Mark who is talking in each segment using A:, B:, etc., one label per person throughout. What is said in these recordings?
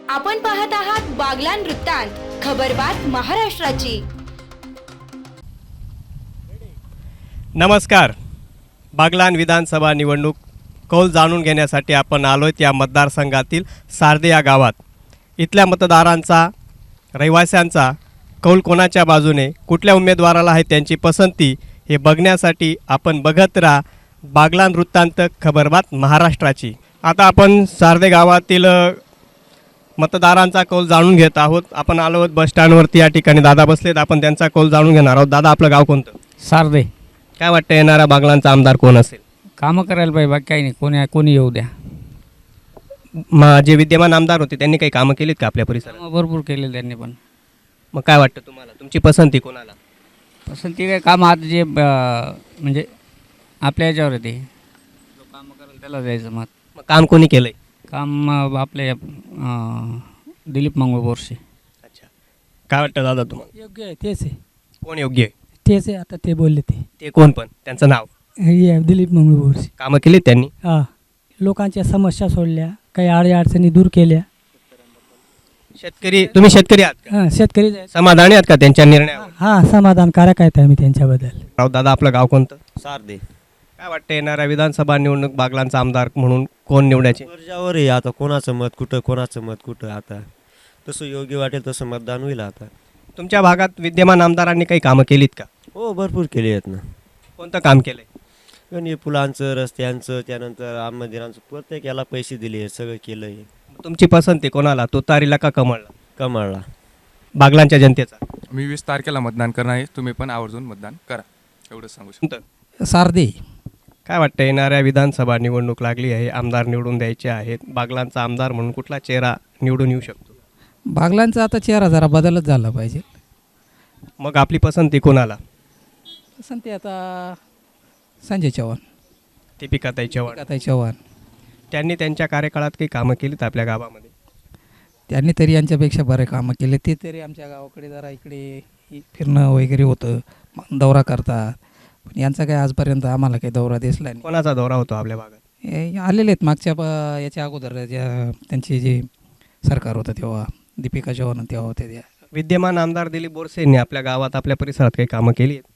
A: आपण पाहत आहात बागलान वृत्तांत, खबरबात महाराष्ट्राची.
B: नमस्कार. बागलान विधानसभा निवडणूक कौल जाणून घेण्यासाठी आपण आलोय या मतदारसंघातील सार्दे या गावात. इथल्या मतदारांचा, रहिवाशांचा कौल कोणाच्या बाजूने, कुठल्या उमेदवाराला आहे त्यांची पसंती, हे बघण्यासाठी आपण बघत राहा बागलान वृत्तांत, खबरबात महाराष्ट्राची. आता आपण सार्दे गावातील मतदारांचा कौल जाणून घेत आहोत. आपण आलो आहोत बस स्टँडवरती. या ठिकाणी दादा बसलेत, आपण त्यांचा कौल जाणून घेणार आहोत. दादा, आपलं गाव कोणतं?
C: सार्दे.
B: काय वाटतं येणारा बागलांचा आमदार कोण असेल?
C: कामं करायला पाहिजे, बाकी काही नाही. कोणी येऊ द्या.
B: जे विद्यमान आमदार होते त्यांनी काही कामं केलीत का आपल्या परिसरात?
C: कामं भरपूर केले त्यांनी, पण
B: मग काय वाटतं तुम्हाला, तुमची पसंती कोणाला?
C: पसंती काय, काम आता जे म्हणजे आपल्या याच्यावर आहे, ते जो कामं करेल त्याला द्यायचं मत.
B: मग काम कोणी केलंय?
C: काम आपले दिलीप मंगळ बोरसे.
B: अच्छा, काय वाटतं दादा तुम्हाला?
D: योग्य आहे, तेच आहे.
B: कोण योग्य आहे?
D: तेच आहे, आता ते बोलले
B: ते कोण, पण त्यांचं नाव?
D: हे दिलीप मंगळूरशी.
B: कामं केलीत त्यांनी?
D: हां, लोकांच्या समस्या सोडल्या, काही अडचणी दूर केल्या.
B: शेतकरी, तुम्ही शेतकरी आहात का?
D: हां, शेतकरी
B: समाधानी आहात का त्यांच्या निर्णयावर?
D: हां, समाधानकारक आहेत आम्ही त्यांच्याबद्दल.
B: राव दादा, आपलं गाव कोणतं?
E: सार्दे.
B: काय वाटतं येणाऱ्या विधानसभा निवडणूक बागलांचा आमदार म्हणून कोण निवडायचे?
E: वर्जावर आहे आता, कोणाचं मत कुठं, कोणाचं मत कुठं. आता तसं योग्य वाटेल तसं मतदान होईल. आता
B: तुमच्या भागात विद्यमान आमदारांनी काही कामं केलीत का?
E: हो, भरपूर केले आहेत ना.
B: कोणतं काम केलंय?
E: आणि पुलांचं, रस्त्यांचं, त्यानंतर राम मंदिरांचं, प्रत्येक याला पैसे दिले आहेत, सगळं केलं आहे.
B: तुमची पसंती कोणाला, तुतारीला का कमळला?
E: कमाळला.
B: बागलांच्या जनतेचा.
F: मी 20 तारखेला मतदान करणार आहे. तुम्ही पण आवर्जून मतदान करा, एवढंच सांगू शकतो.
D: सार्दे.
B: काय वाटतं येणाऱ्या विधानसभा निवडणूक लागली आहे, आमदार निवडून द्यायचे आहेत. बागलांचा आमदार म्हणून कुठला चेहरा निवडून येऊ शकतो?
D: बागलांचा आता चेहरा जरा बदलच झाला पाहिजे.
B: मग आपली पसंती कोणाला?
D: पसंती आता संजय चव्हाण,
B: दीपिकाताई चव्हाण.
D: दीपिकाताई चव्हाण.
B: त्यांनी त्यांच्या कार्यकाळात काही कामं केलीत आपल्या गावामध्ये?
D: त्यांनी तरी यांच्यापेक्षा बरे कामं केले. ते तरी आमच्या गावाकडे जरा इकडे फिरणं वगैरे होतं, दौरा करतात. पण यांचा काय आजपर्यंत आम्हाला काही दौरा दिसला नाही.
B: कोणाचा दौरा होतो आपल्या भागात?
D: हे आलेले आहेत मागच्या याच्या अगोदर, ज्या त्यांची जे सरकार होतं तेव्हा, दीपिका चव्हाण तेव्हा होते त्या.
B: विद्यमान आमदार दिलीप बोरसे यांनी आपल्या गावात, आपल्या परिसरात काही कामं केली आहेत?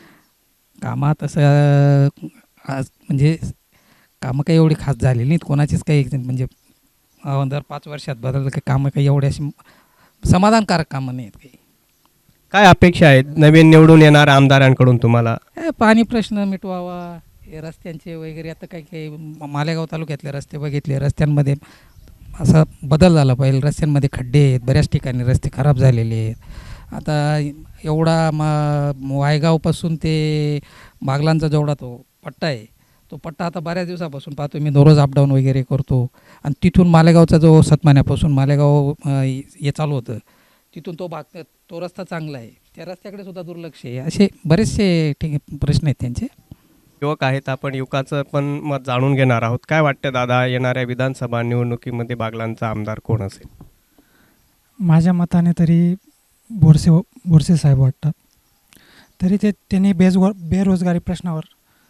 D: कामात तसं आज म्हणजे कामं काही एवढी खास झालेली नाहीत कोणाचीच. काही म्हणजे दर 5 वर्षात बदललं काही कामं काही एवढी अशी समाधानकारक कामं नाही आहेत काही.
B: काय अपेक्षा आहेत नवीन निवडून येणाऱ्या आमदारांकडून तुम्हाला?
D: पाणी प्रश्न मिटवावा, हे रस्त्यांचे वगैरे. आता काही काही मालेगाव तालुक्यातले रस्ते बघितले, रस्त्यांमध्ये असा बदल झाला पाहिजे. रस्त्यांमध्ये खड्डे आहेत, बऱ्याच ठिकाणी रस्ते खराब झालेले आहेत. आता एवढा वायगावपासून ते बागलांचा जेवढा तो पट्टा आहे, तो पट्टा आता बऱ्याच दिवसापासून पाहतो मी, दररोज अपडाऊन वगैरे करतो. आणि तिथून मालेगावचा जो सतमान्यापासून मालेगाव हे चालू होतं, तिथून तो भाग, तो रस्ता चांगला आहे, त्या रस्त्याकडे सुद्धा दुर्लक्ष आहे. असे बरेचसे प्रश्न आहेत त्यांचे.
B: युवक आहेत, आपण युवकाचं पण मत जाणून घेणार आहोत. काय वाटतं दादा, येणाऱ्या विधानसभा निवडणुकीमध्ये बागलांचा आमदार कोण असेल?
G: माझ्या मताने तरी बोरसे साहेब वाटतात. तरी त्यांनी बेरोजगारी प्रश्नावर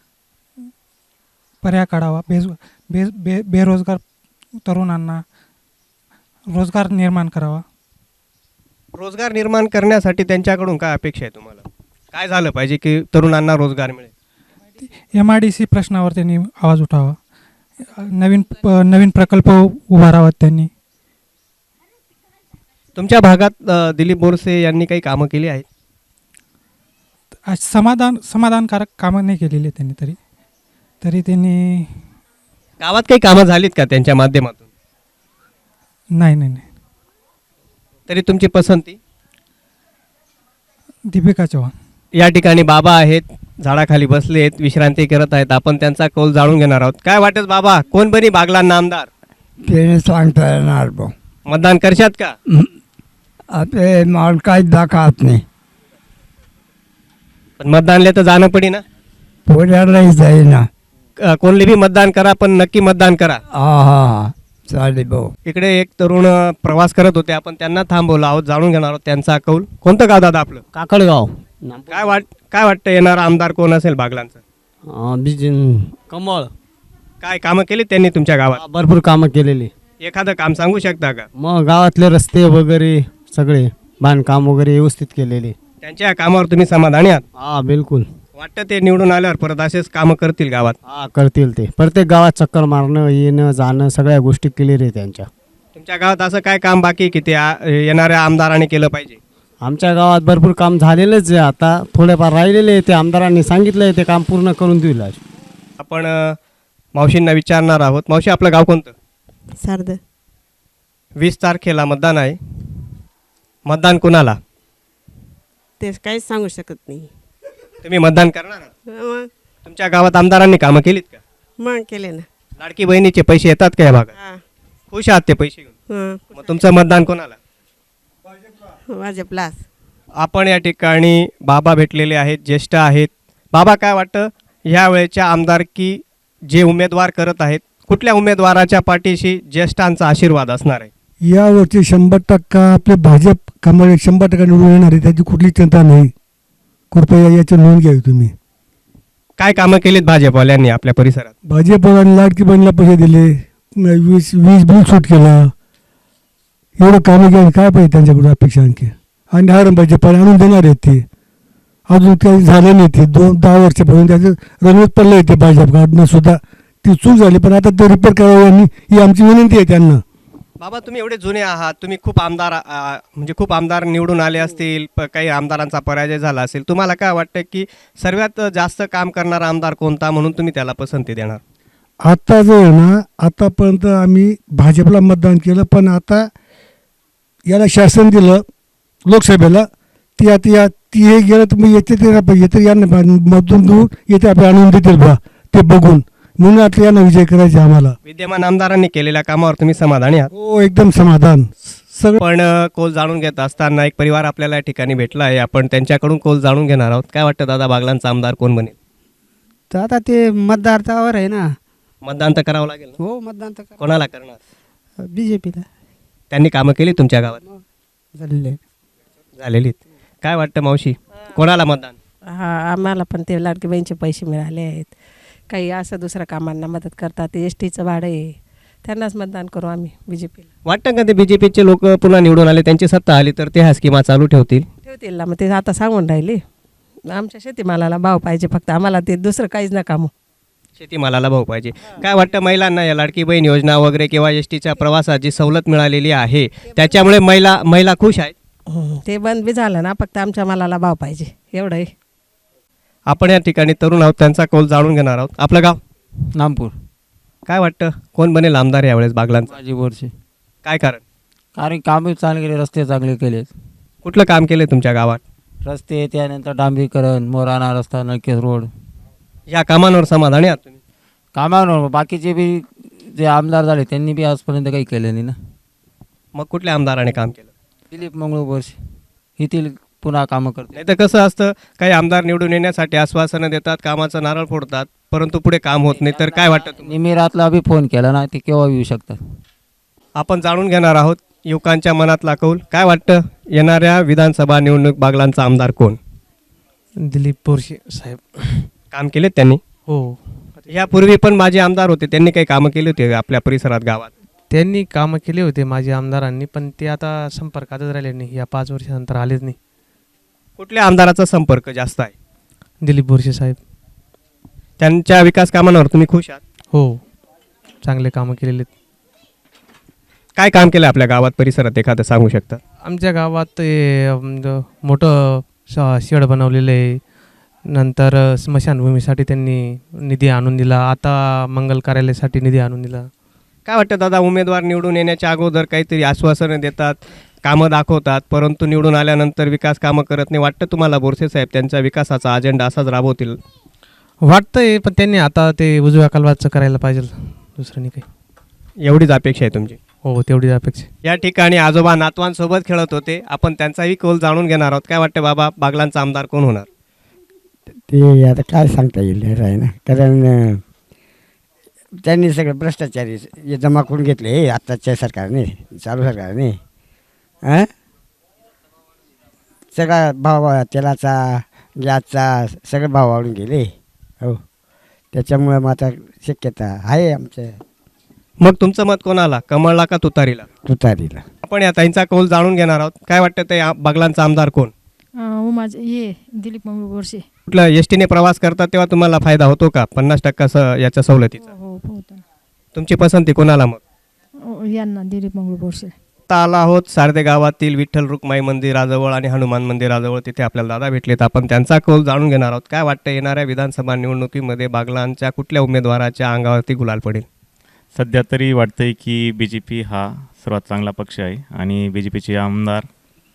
G: पर्याय काढावा. बेरोजगार तरुणांना रोजगार निर्माण करावा.
B: रोजगार निर्माण करण्यासाठी त्यांच्याकडून काय अपेक्षा आहे तुम्हाला? काय झालं पाहिजे की तरुणांना रोजगार मिळेल?
G: MIDC प्रश्नावर त्यांनी आवाज उठावा. नवीन प्रकल्प उभारावात त्यांनी.
B: तुमच्या भागात दिलीप बोरसे यांनी काही कामं केली आहेत?
G: समाधानकारक कामं नाही केलेली त्यांनी. तरी त्यांनी
B: गावात काही कामं झालीत का त्यांच्या माध्यमातून?
G: नाही.
B: तरी तुमची पसंती?
G: दीपिका चव्हाण.
B: या ठिकाणी बाबा आहेत, झाडाखाली बसले आहेत, विश्रांती करत आहेत. आपण त्यांचा कौल जाणून घेणार आहोत. काय वाटत बाबा, कोण बनी बागलांना आमदार?
H: ते सांगता येणार भाऊ.
B: मतदान करशात का?
H: आता माल काहीच दाखवत नाही.
B: पण मतदानले तर जाणं पडी ना.
H: पोऱ्यालाही जाईना.
B: कोणले बी मतदान करा, पण नक्की मतदान करा.
H: हा चालेल भाऊ.
B: इकडे एक तरुण प्रवास करत होते, आपण त्यांना थांबवलं आहोत, जाणून घेणार आहोत त्यांचा कौल. कोणतं गाव दादा आपलं?
I: काकडगाव.
B: काय वाटतं येणारा आमदार कोण असेल बागलांचं?
I: कमळ.
B: काय कामं केली त्यांनी तुमच्या गावात?
I: भरपूर कामं केलेली.
B: एखादं काम सांगू शकता का?
I: मग गावातले रस्ते वगैरे सगळे बांधकाम वगैरे व्यवस्थित केलेले.
B: त्यांच्या या कामावर तुम्ही समाधानी आहात?
I: हा बिलकुल.
B: वाटतं ते निवडून आल्यावर परत असेच कामं करतील गावात?
I: हा करतील ते. प्रत्येक गावात चक्कर मारणं येणं जाणं सगळ्या गोष्टी क्लिअर आहे त्यांच्या.
B: तुमच्या गावात असं काय काम बाकी आहे की ते येणाऱ्या आमदारांनी केलं पाहिजे?
I: आमच्या गावात भरपूर काम झालेलंच आहे, आता थोडेफार राहिलेले ते आमदारांनी सांगितलं आहे ते काम पूर्ण करून देईल.
B: आपण मावशींना विचारणार आहोत. मावशी, आपलं गाव कोणतं?
J: सार्द.
B: 20 तारखेला मतदान आहे. मतदान कुणाला?
J: ते काहीच सांगू शकत नाही.
B: तुम्ही मतदान करणार आहात?
J: मग
B: तुमच्या गावात आमदारांनी कामं केलीत का?
J: मग केले ना.
B: लाडकी बहिणीचे पैसे येतात का या भागात?
J: हा.
B: खुश आहात ते पैसे घेऊन?
J: हं.
B: मग तुमचं मतदान कोणाला?
J: भाजपलाच.
B: आपण या ठिकाणी बाबा भेटलेले आहेत, ज्येष्ठ आहेत. बाबा, काय वाटतं ह्या वेळेच्या आमदारकी जे उमेदवार करत आहेत, कुठल्या उमेदवाराच्या पाठीशी ज्येष्ठांचा आशीर्वाद असणार आहे?
H: यावरती 100% आपले भाजप कमळ 100% निवडून येणार आहे, त्याची कुठली चिंता नाही. कृपया याची नोंद घ्यावी तुम्ही.
B: काय कामं केलीत भाजपवाल्यांनी आपल्या परिसरात?
H: भाजपवाल्यांनी लाडकी बहिणीला पैसे दिले, 20 बिल सूट केला. एवढं कामं घ्या, काय पाहिजे त्यांच्याकडून अपेक्षा आणखी? आणि हारंबाचे पाणी आणून देणार आहेत ते. अजून काही झालं नाही ते 10 वर्षापासून त्याचं रणवीत पडलं आहे ते भाजपकडनं सुद्धा. ती चूक झाली, पण आता ते रिपेअर करावं यांनी, ही आमची विनंती आहे त्यांना.
B: बाबा, तुम्ही एवढे जुने आहात, तुम्ही खूप आमदार म्हणजे खूप आमदार निवडून आले असतील, काही आमदारांचा पराजय झाला असेल. तुम्हाला काय वाटतं की सर्वात जास्त काम करणारा आमदार कोणता, म्हणून तुम्ही त्याला पसंती देणार?
H: आता जो आहे ना, आतापर्यंत आम्ही भाजपला मतदान केलं, पण आता याला शासन दिलं लोकसभेला, ती हे गेलं तर मग येते यांना मतदान देऊन येते आपल्या आणून देतील बा ते बघून. म्हणून आता यांना विजय करायचे आम्हाला.
B: विद्यमान आमदारांनी केलेल्या कामावर तुम्ही समाधानी आहात?
H: हो, एकदम समाधान. सगळं
B: पण कौल जाणून घेत असताना एक परिवार आपल्याला या ठिकाणी भेटला आहे. आपण त्यांच्याकडून कौल जाणून घेणार आहोत. काय वाटतं दादा, बागलांचा आमदार कोण बनेल?
C: तर आता ते मतदारावर आहे ना.
B: मतदान तर करावं लागेल ना?
C: हो, मतदान तर
B: कोणाला करणार?
C: BJPला
B: त्यांनी कामं केली तुमच्या गावात?
C: झालेले.
B: झालेलीत. काय वाटतं मावशी, कोणाला मतदान?
J: हा, आम्हाला पण ते लाडकी बहिणीचे पैसे मिळाले आहेत. काही असं दुसऱ्या कामांना मदत करतात. ते STचं भाडं आहे, त्यांनाच मतदान करू आम्ही BJPला.
B: वाटतं का ते BJPचे लोक पुन्हा निवडून आले, त्यांची सत्ता आली तर ते ह्या स्कीमा चालू ठेवतील?
J: ठेवतील ना. मग ते आता सांगून राहिले, आमच्या शेतीमालाला भाव पाहिजे फक्त आम्हाला, ते दुसरं काहीच नका. मग
B: शेतीमालाला भाव पाहिजे. काय वाटतं महिलांना या लाडकी बहीण योजना वगैरे किंवा STच्या प्रवासात जी सवलत मिळालेली आहे त्याच्यामुळे महिला खुश आहेत?
J: ते बंद बी झालं ना, फक्त आमच्या मालाला भाव पाहिजे, एवढं आहे.
B: आपण या ठिकाणी तरुण आहोत, त्यांचा कौल जाणून घेणार आहोत. आपलं गाव?
C: नामपूर.
B: काय वाटतं कोण बनेल आमदार यावेळेस बागलांचा?
C: माझी वर्षे.
B: काय कारण?
C: कारण कामं चांगले केले, रस्ते चांगले केलेत.
B: कुठलं काम केलं तुमच्या गावात?
C: रस्ते, त्यानंतर डांबरीकरण, मोराणा रस्ता, नळकेस रोड.
B: या कामांवर समाधानी आहात तुम्ही?
C: कामावर बाकीचे बी जे आमदार झाले त्यांनी बी आजपर्यंत काही केलं नाही ना.
B: मग कुठल्या आमदाराने काम केलं?
C: दिलीप मंगळू वर्षे येथील पुन्हा कामं करते.
B: नाही तर कसं असतं, काही आमदार निवडून येण्यासाठी आश्वासनं देतात, कामाचं नारळ फोडतात, परंतु पुढे काम होत नाही. तर काय वाटतं तुम्हाला?
C: निमिरातला बी फोन केला ना, ते केव्हा येऊ शकतात.
B: आपण जाणून घेणार आहोत युवकांच्या मनातला कौल. काय वाटतं येणाऱ्या विधानसभा निवडणूक बागलांचा आमदार कोण?
G: दिलीप बोरसे साहेब.
B: काम केलेत त्यांनी?
G: हो,
B: यापूर्वी पण माझे आमदार होते, त्यांनी काही कामं केली होती आपल्या परिसरात, गावात?
G: त्यांनी कामं केले होते माझ्या आमदारांनी, पण ते आता संपर्कातच राहिले नाही. या 5 वर्षानंतर आलेच नाही.
B: कुठल्या आमदाराचा संपर्क जास्त आहे?
G: दिलीप बोरसे साहेब.
B: त्यांच्या विकास कामांवर तुम्ही खुश आहात?
G: हो, चांगले कामं केलेले.
B: काय काम केलं आपल्या गावात, परिसरात एखादं सांगू शकता?
G: आमच्या गावात ते मोठं शेड बनवलेलं आहे. नंतर स्मशानभूमीसाठी त्यांनी निधी आणून दिला. आता मंगल कार्यालयासाठी निधी आणून दिला.
B: काय वाटतं दादा, उमेदवार निवडून येण्याच्या अगोदर काहीतरी आश्वासनं देतात, कामं दाखवतात, परंतु निवडून आल्यानंतर विकास कामं करत नाही. वाटतं तुम्हाला बोरसे साहेब त्यांच्या विकासाचा अजेंडा असाच राबवतील?
G: वाटतंय, पण त्यांनी आता ते उजव्या कालवाचं करायला पाहिजे, दुसरं नाही काही.
B: एवढीच अपेक्षा आहे तुमची?
G: हो, तेवढीच अपेक्षा.
B: या ठिकाणी आजोबा नातवांसोबत खेळत होते. आपण त्यांचाही कौल जाणून घेणार आहोत. काय वाटतं बाबा, बागलांचा आमदार कोण होणार?
I: ते आता काय सांगता येईल आहे ना, कारण त्यांनी सगळे भ्रष्टाचारी जमा करून घेतले आत्ताच्या सरकारने, चालू सरकारने. सगळा भाव, तेलाचा, गॅसचा सगळे भाव वाढून गेले. हो, त्याच्यामुळं मग आता शक्यता आहे आमच्या
B: मग तुमचं मत कोणाला, कमळला का तुतारीला?
I: तुतारीला.
B: आपण या ताईंचा कौल जाणून घेणार आहोत. काय वाटतं ते बागलांचा आमदार कोण?
K: माझे ये दिलीप मंगळ बोरसे.
B: कुठल्या एस टीने प्रवास करता तेव्हा तुम्हाला फायदा होतो का 50% याच्या सवलतीचा?
K: हो होतं.
B: तुमची पसंती कोणाला मग?
K: यांना दिलीप मंगळ बोरसे.
B: आता आला आहोत सारदे गावातील विठ्ठल रुक्माई मंदिराजवळ आणि हनुमान मंदिराजवळ. तिथे आपल्याला दादा भेटलेत. आपण त्यांचा कौल जाणून घेणार आहोत. काय वाटतं येणाऱ्या विधानसभा निवडणुकीमध्ये बागलांच्या कुठल्या उमेदवाराच्या अंगावरती गुलाल पडेल?
L: सध्या तरी वाटतंय की BJP हा सर्वात चांगला पक्ष आहे आणि BJPचे आमदार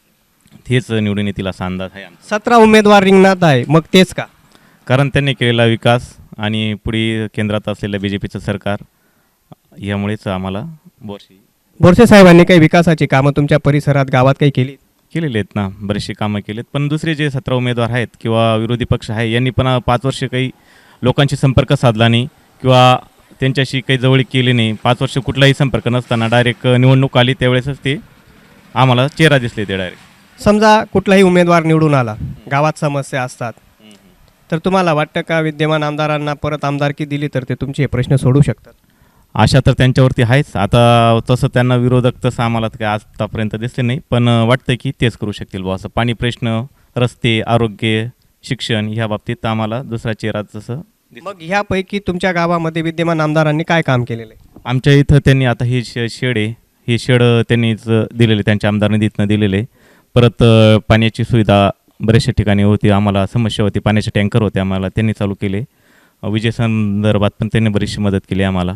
L: तेच निवडून येतील असा अंदाज आहे आमचा.
B: 17 उमेदवार रिंगणात आहे, मग तेच का?
L: कारण त्यांनी केलेला विकास आणि पुढे केंद्रात असलेलं BJPचं सरकार यामुळेच आम्हाला
B: बोरसे साहेबांनी काही विकासाची कामं तुमच्या परिसरात गावात काही
L: केलेले आहेत ना, बरेचसे कामं केलेत. पण दुसरे जे 17 उमेदवार आहेत किंवा विरोधी पक्ष आहे यांनी पण 5 वर्ष काही लोकांशी संपर्क साधला नाही किंवा त्यांच्याशी काही जवळीक केली नाही. 5 वर्ष कुठलाही संपर्क नसताना डायरेक्ट निवडणूक आली त्यावेळेसच ते आम्हाला चेहरा दिसले ते डायरेक्ट.
B: समजा कुठलाही उमेदवार निवडून आला, गावात समस्या असतात, तर तुम्हाला वाटतं का विद्यमान आमदारांना परत आमदारकी दिली तर ते तुमचे हे प्रश्न सोडू शकतात?
L: आशा तर त्यांच्यावरती आहेच. आता तसं त्यांना विरोधक तसं आम्हाला तर काही आतापर्यंत दिसले नाही, पण वाटतं की तेच करू शकतील बुवा असं. पाणी प्रश्न, रस्ते, आरोग्य, शिक्षण ह्या बाबतीत आम्हाला दुसरा चेहरा तसं.
B: मग ह्यापैकी तुमच्या गावामध्ये विद्यमान आमदारांनी काय काम केलेलं आहे?
L: आमच्या इथं त्यांनी आता ही शेड आहे, ही शेड त्यांनीच दिलेले, त्यांच्या आमदार निधीतनं दिलेले. परत पाण्याची सुविधा बऱ्याचशा ठिकाणी होती, आम्हाला समस्या होती, पाण्याचे टँकर होते, आम्हाला त्यांनी चालू केले. विजेसंदर्भात पण त्यांनी बरीचशी मदत केली आम्हाला.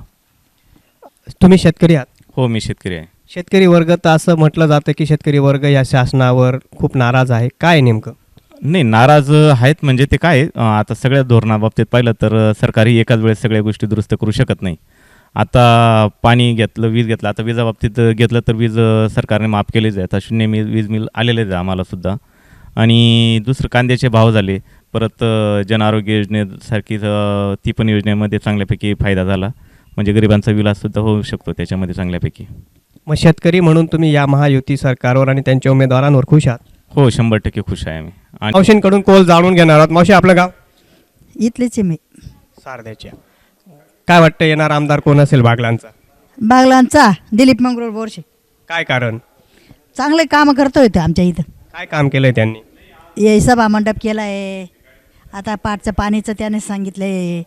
B: तुम्ही शेतकरी आहात?
L: हो, मी शेतकरी आहे.
B: शेतकरी वर्ग तर असं म्हटलं जातं की शेतकरी वर्ग या शासनावर खूप नाराज आहे. काय नेमकं?
L: नाही, नाराज आहेत म्हणजे ते काय आता सगळ्या धोरणाबाबतीत पाहिलं तर सरकारही एकाच वेळेस सगळ्या गोष्टी दुरुस्त करू शकत नाही. आता पाणी घेतलं, वीज घेतलं, आता विजाबाबतीत घेतलं तर वीज सरकारने माफ केलीच आहे. आता 0 वीज मिल आलेलेच आहे आम्हालासुद्धा. आणि दुसरं कांद्याचे भाव झाले. परत जन आरोग्य योजनेसारखी ती पण योजनेमध्ये चांगल्यापैकी फायदा झाला. म्हणजे गरिबांचा विलाससुद्धा होऊ शकतो त्याच्यामध्ये चांगल्यापैकी.
B: मग शेतकरी म्हणून तुम्ही या महायुती सरकारवर आणि त्यांच्या उमेदवारांवर खुश आहात?
L: हो, 100% खुश आहे आम्ही. आणि
B: मावशींकडून कौल जाणून घेणार आहोत. मावशी, आपलं गाव?
M: इथलेच आहे मी,
B: सारद्याच्या. काय वाटतं येणार आमदार कोण असेल बागलांचा?
M: बागलांचा दिलीप मंगळ बोरसे.
B: काय कारण?
M: चांगले काम करतोय ते आमच्या इथं.
B: काय काम केलंय त्यांनी?
M: हे सभा मंडप केला आहे, आता पाटचं पाणीचं त्याने सांगितलं आहे,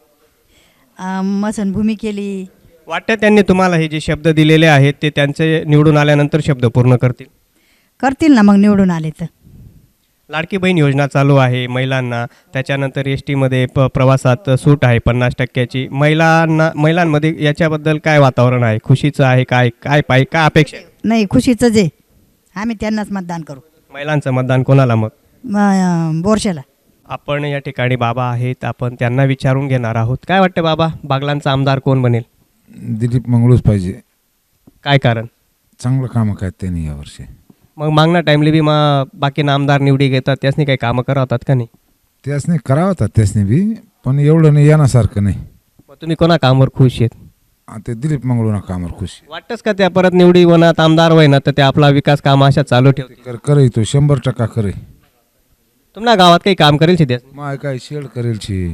M: मसनभूमी केली.
B: वाटतं त्यांनी तुम्हाला हे जे शब्द दिलेले आहेत ते त्यांचे निवडून आल्यानंतर शब्द पूर्ण करतील
M: ना मग निवडून आले तर.
B: लाडकी बहीण योजना चालू आहे महिलांना, त्याच्यानंतर एस टीमध्ये प्रवासात सूट आहे 50%ची. महिलांमध्ये याच्याबद्दल काय वातावरण आहे? खुशीचं आहे? काय अपेक्षा आहे?
M: नाही, खुशीचं जे आम्ही त्यांनाच मतदान करू.
B: महिलांचं मतदान कोणाला मग?
M: बोरशेला.
B: आपण या ठिकाणी बाबा आहेत, आपण त्यांना विचारून घेणार आहोत. काय वाटतं बाबा, बागलांचा आमदार कोण बनेल?
N: दिलीप मंगळूच पाहिजे.
B: काय कारण?
N: चांगलं कामं काय त्यांनी यावर्षी.
B: मग मागणा टाईमली बी बाकी आमदार निवडी घेतात, त्यासनी काही कामं करावतात का नाही?
N: त्यासनी करावतात त्यासनी बी, पण एवढं नाही येण्यासारखं नाही.
B: मग तुम्ही कोणा कामावर खुश आहेत?
N: ते दिलीप मंगळूना कामावर खुश.
B: वाटतंच का त्या परत निवडी होणार आमदार होईना तर ते आपला विकास काम अशा चालू ठेवतील?
N: करे तो 100% करे.
B: तुम्हाला गावात काही काम करेल शिद्या?
N: माय काय शेड करेल छे,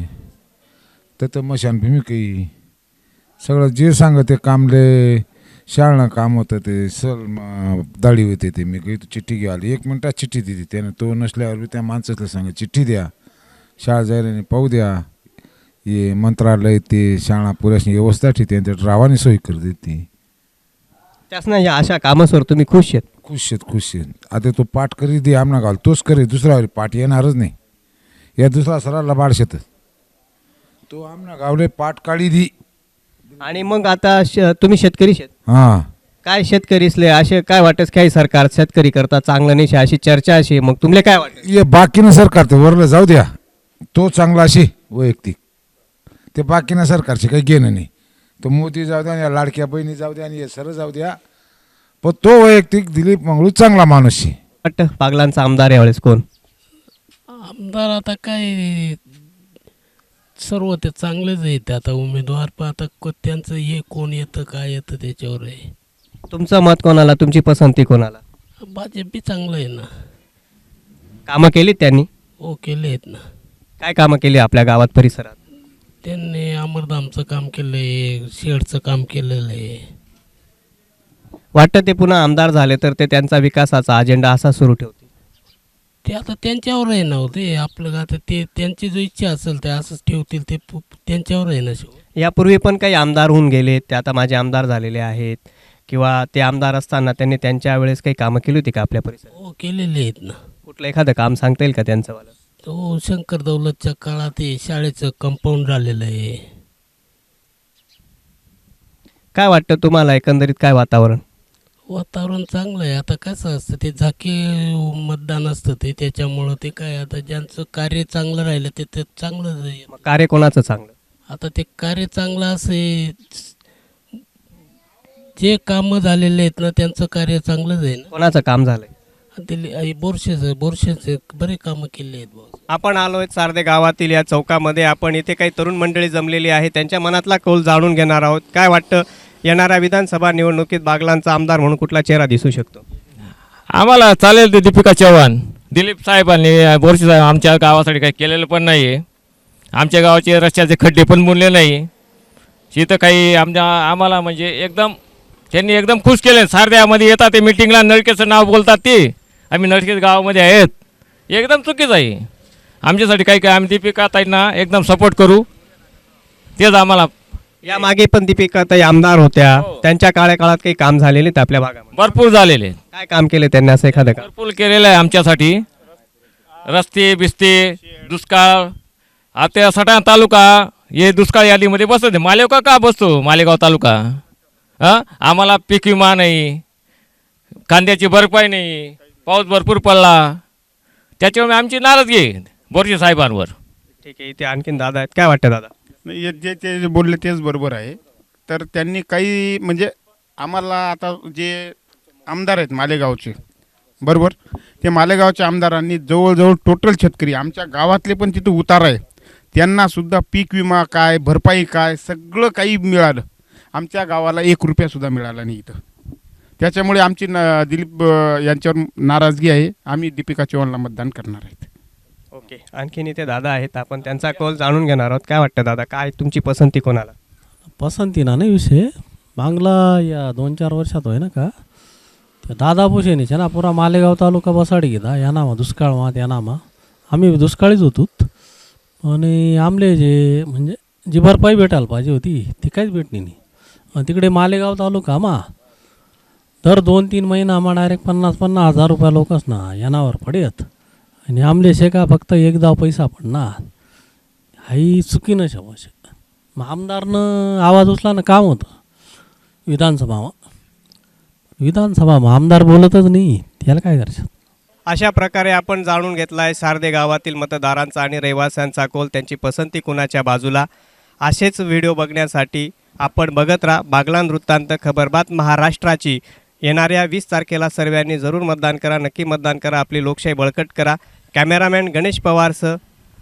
N: तर मशानभूमी काही सगळं जे सांग ते कामले. शाळा काम होतं ते दाढी होते ते. मी काही चिठ्ठी घ्या आली, 1 मिनिटात चिठ्ठी दिली त्यानं. तो नसल्यावर बी त्या माणसाला सांगा चिठ्ठी द्या, शाळा जायला नाही पाहू द्या. हे मंत्रालय ते शाळा पुऱ्याशी व्यवस्था ठेवते आणि त्या रावाने सोयी कर देते.
B: त्यासनं या अशा कामासवर तुम्ही खुश आहेत?
N: खुश आहेत. आता तो पाठ करी दे आमना घाल तोच करे, दुसरा पाठ येणारच नाही. या दुसरा सराला बाडशेत तो आमना गावले पाठ काढी दी.
B: आणि मग आता तुम्ही शेतकरी शेत?
N: हां.
B: काय शेतकरीसले असे काय वाटत काही सरकार शेतकरी करता चांगलं नाही अशी चर्चा अशी, मग तुमले काय वाटत?
N: ये बाकीनं सरकार ते वरलं जाऊ द्या, तो चांगला अशी वैयक्तिक. ते बाकीनं सरकारचे काही घेणं नाही. तो मोदी जाऊ द्या, या लाडक्या बहिणी जाऊ द्या, आणि हे सर जाऊ द्या, पण तो वैयक्तिक दिलीप मंगळू चांगला माणूस आहे.
B: वाटतं बागलांचा आमदार यावेळेस कोण?
O: आमदार आता काय सर्व ते चांगलेच आहेत. आता उमेदवार पण आता त्यांचं हे कोण येतं काय येतं त्याच्यावर आहे.
B: तुमचं मत कोणाला, तुमची पसंती कोणाला?
O: भाजप बी चांगलं आहे ना.
B: कामं केली त्यांनी?
O: हो, केले आहेत ना.
B: काय कामं केली आपल्या गावात परिसरात?
O: त्यांनी अमरधामचं काम केलं आहे, शेडचं काम केलेलं आहे.
B: वाटतं ते पुन्हा आमदार झाले तर ते त्यांचा विकासाचा अजेंडा असा सुरू ठेवतील?
O: ते आता त्यांच्यावर आहे ना हो, ते आपलं आता ते त्यांची जो इच्छा असेल ते असंच ठेवतील, ते त्यांच्यावर आहे ना शेवटी.
B: यापूर्वी पण काही आमदार होऊन गेलेत, ते आता माझे आमदार झालेले आहेत, किंवा ते आमदार असताना त्यांनी त्यांच्या वेळेस काही कामं केली होती का आपल्या परिसरात?
O: हो केलेले आहेत ना.
B: कुठलं एखादं काम सांगता येईल का त्यांचं वालं?
O: तो शंकर दौलतच्या काळात ते शाळेचं कंपाऊंड झालेलं आहे.
B: काय वाटतं तुम्हाला एकंदरीत काय वातावरण?
O: वातावरण चांगलं आहे. आता कसं असतं ते झाकी मतदान असतं ते, त्याच्यामुळं ते काय आता ज्यांचं कार्य चांगलं राहिलं ते चांगलं आहे.
B: कार्य कोणाचं चांगलं?
O: आता ते कार्य चांगलं असे जे कामं झालेले आहेत ना त्यांचं कार्य चांगलंच आहे ना.
B: कोणाचं काम झालंय?
O: बोरशेचे बरे कामं केले आहेत भाऊ.
B: आपण आलोय सार्दे गावातील या चौकामध्ये. आपण इथे काही तरुण मंडळी जमलेली आहे, त्यांच्या मनातला कौल जाणून घेणार आहोत. काय वाटतं येणाऱ्या विधानसभा निवडणुकीत बागलांचा आमदार म्हणून कुठला चेहरा दिसू शकतो?
P: आम्हाला चालेल ते दीपिका चव्हाण. दिलीप साहेबांनी बोरसे साहेब आमच्या गावासाठी काही केलेलं पण नाही आहे. आमच्या गावाचे रस्त्याचे खड्डे पण बुनले नाही. तिथं काही आम्हाला म्हणजे एकदम त्यांनी एकदम खुश केले. सारद्यामध्ये येतात ते मिटिंगला नळकेचं नाव बोलतात ते, आम्ही नळकेच गावामध्ये आहेत. एकदम चुकीचं आहे. आमच्यासाठी काही आम्ही दीपिका ताईंना एकदम सपोर्ट करू, तेच आम्हाला.
B: या मागे पण दीपिका ताई आमदार होत्या, त्यांच्या काळात काही काम झालेले आहेत आपल्या भागामध्ये?
P: भरपूर झालेले.
B: काय काम केले त्यांनी असं एखादं काम?
P: भरपूर केलेलं आहे आमच्यासाठी. रस्ते बिस्ते, दुष्काळ. आता सटाणा तालुका हे दुष्काळ यादीमध्ये बसतो. मालेगाव का बसतो? मालेगाव तालुका. आम्हाला पीक विमा नाही, कांद्याची भरपाई नाही, पाऊस भरपूर पडला, त्याच्यामुळे आमची नाराजगी आहे बोरसे साहेबांवर.
B: ठीक आहे, इथे आणखीन दादा आहेत. काय वाटतं दादा?
Q: जे ते बोलले तेच बरोबर आहे. तर त्यांनी काही म्हणजे आम्हाला आता जे आमदार आहेत मालेगावचे, बरोबर, ते मालेगावच्या आमदारांनी जवळजवळ टोटल शेतकरी आमच्या गावातले पण तिथं उतार आहे, त्यांनासुद्धा पीक विमा काय, भरपाई काय, सगळं काही मिळालं. आमच्या गावाला 1 रुपयासुद्धा मिळाला नाही इथं. त्याच्यामुळे आमची दिलीप यांच्यावर नाराजगी आहे. आम्ही दीपिका चव्हाणला मतदान करणार आहेत.
B: ओके, आणखीन इथे दादा आहेत, आपण त्यांचा कौल जाणून घेणार आहोत. काय वाटतं दादा, काय तुमची पसंती कोणाला?
R: पसंती ना नाही विषय, मागला या 2-4 वर्षात होय ना का त्या दादा भुसेने ना पुरा मालेगाव तालुका बसाडी घेता या नामा दुष्काळ मात या नामा. आम्ही दुष्काळीच होतो आणि आमले जे म्हणजे जी भरपाई भेटायला पाहिजे होती ती काहीच भेटली नाही. आणि तिकडे मालेगाव तालुका दर 2-3 महिना डायरेक्ट 50-50 हजार रुपये लोकच ना यानावर पडेत. आणि आमले शे का फक्त एकदा पैसा पडणार हाही चुकीनं शबाश. मग आमदारनं आवाज उचलानं काम होतं विधानसभा आमदार बोलतच नाही, त्याला काय करायचं?
B: अशा प्रकारे आपण जाणून घेतला आहे सार्दे गावातील मतदारांचा आणि रहिवाशांचा कौल, त्यांची पसंती कुणाच्या बाजूला. असेच व्हिडिओ बघण्यासाठी आपण बघत राहा बागलान वृत्तांत, खबरबात महाराष्ट्राची. येणाऱ्या 20 तारखेला सर्वांनी जरूर मतदान करा, नक्की मतदान करा, आपली लोकशाही बळकट करा. कॅमेरामॅन गणेश पवारसह